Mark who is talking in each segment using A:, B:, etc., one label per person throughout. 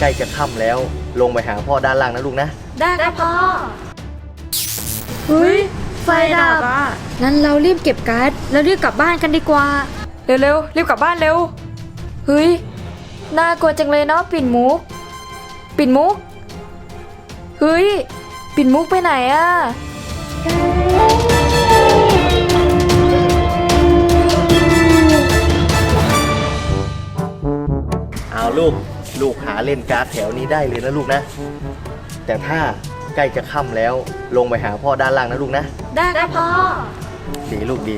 A: ล้จะค่ำแล้วลงไปหาพ่อด้านล่างนะลูกนะ
B: ได้ครับพ่อเฮ้ยไฟดับอ่ะงั้นเรารีบเก็บการ์ดแล้วรีบกลับบ้านกันดีกว่าเร็วๆรีบกลับบ้านเร็วเฮ้ยน่ากลัวจังเลยเนาะปิ่นมุกเฮ้ยปิ่นมุกไปไหนอ่ะ
A: เอาลูกหาเล่นการ์ดแถวนี้ได้เลยนะลูกนะแต่ถ้าใกล้จะค่ำแล้วลงไปหาพ่อด้านล่างนะลูกนะ
B: ได้ครับพ่อ
A: ดีลูกดี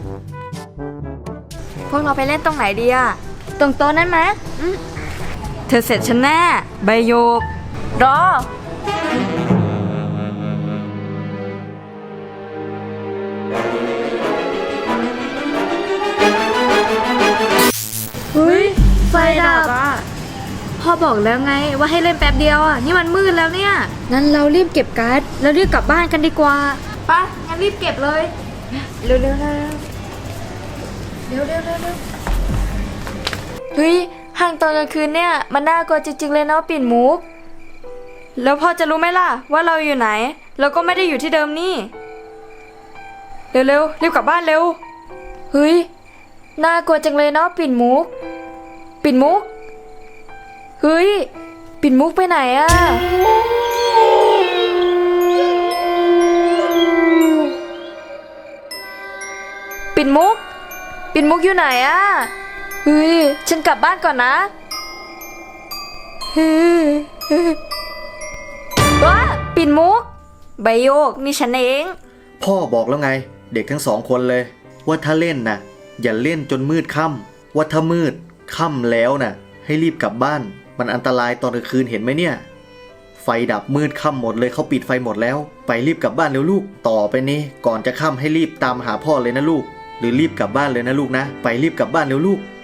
B: พวกเราไปเล่นตรงไหนดีอะตรงโต๊ะนั้นไหมเธอเสร็จฉันแน่ใบโยกรอเฮ้ยไฟดับอ่ะพ่อบอกแล้วไงว่าให้เล่นแป๊บเดียวอ่ะนี่มันมืดแล้วเนี่ยงั้นเรารีบเก็บการ์ดแล้วรีบกลับบ้านกันดีกว่าไปงั้นรีบเก็บเลยเร็วเฮ้ยห้างตอนกลางคืนเนี่ยมันน่ากลัวจริงๆเลยเนาะปิ่นมุกแล้วพ่อจะรู้ไหมล่ะว่าเราอยู่ไหนเราก็ไม่ได้อยู่ที่เดิมนี่เร็วรีบกลับบ้านเร็วเฮ้ยน่ากลัวจังเลยเนาะปิ่นมุกเฮ้ยปิ่นมุกไปไหนอะปิ่นมุกอยู่ไหนอะเฮ้ยฉันกลับบ้านก่อนนะว้าปิ่นมุกใบโยกนี่ฉันเอง
A: พ่อบอกแล้วไงเด็กทั้งสองคนเลยว่าถ้าเล่นน่ะอย่าเล่นจนมืดค่ำว่าถ้ามืดค่ำแล้วน่ะให้รีบกลับบ้านมันอันตรายตอนกลางคืนเห็นไหมเนี่ยไฟดับมืดค่ำหมดเลยเขาปิดไฟหมดแล้วไปรีบกลับบ้านเร็วลูกต่อไปนี้ก่อนจะค่ำให้รีบตามหาพ่อเลยนะลูกหรือรีบกลับบ้านเลยนะลูกนะไปรีบกลับบ้านเร็วลูก